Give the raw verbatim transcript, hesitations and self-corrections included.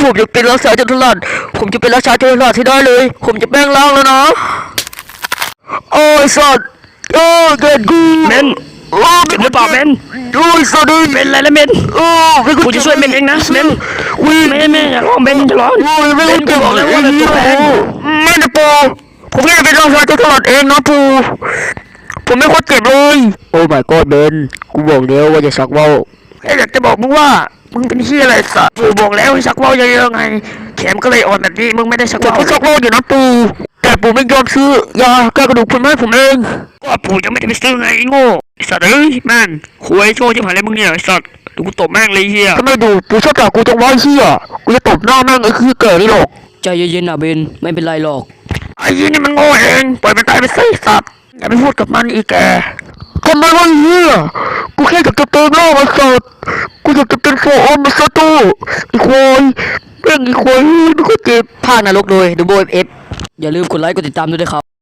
ผมจะเป็นราชาจันทราชผมจะเป็นราชาจันทราชที่ได้เลยผมจะแปลงร่างแล้วนะโอ้ยสัตว์โอ้ยเกิดกูเมนเจ็บหรือเปล่าเมนโอ้ยสัตว์เป็นอะไรแล้วเมนโอ้ยกูจะช่วยเมนเองนะเมนวิ่งเมนเมนอย่าร้องเมนอย่าร้องโอ้ยเมนกูบอกแล้วว่าเป็นตัวแทนเมนปูผมแค่เป็นราชาจันทราชเองนะปูผมไม่โคตรเจ็บเลยโอ้ my god เบนกูบอกแล้วว่าจะชักว่าวอยากจะบอกมึงว่ามึงเป็นที่อะไรสัตว์ปูบอกแล้วให้ชักว่าวเยอะๆไงแขนก็เลยอ่อนแบบนี้มึงไม่ได้ชักว่าวก็ชักว่าวอยู่นะปูแต่ปูไม่ยอมซื้อยาแก้กระดูกคุณแม่ผมเองก็ปูยังไม่ได้ไปซื้อไงโง่สัตว์เอ้ยแม่งคุยโชว์จะผ่านอะไรมึงเนี่ยสัตว์ดูกูตบแม่งเลยเฮียทำไมดูปูชอบด่ากูจังวะเฮียกูจะตบหน้าแม่งไอ้ขี้เก๋นี่หรอกใจเย็นๆนะเบนไม่เป็นไรหรอกไอ้ยี่นี่มันโง่เองปล่อยมันตายไปสิสัตว์อย่าไปพูดกับมันอีกแกทำไมวะเฮียกูแค่อยากจะเติมเหล้ามาสัตว์กูอยากจะเป็นโฟอมมาสัตว์ตู้อีควายแม่งอีควายไม่ค่อยเจ็บภาคนรกโดยดูโบเอฟอย่าลืมกดไลค์กดติดตามด้วยนะครับ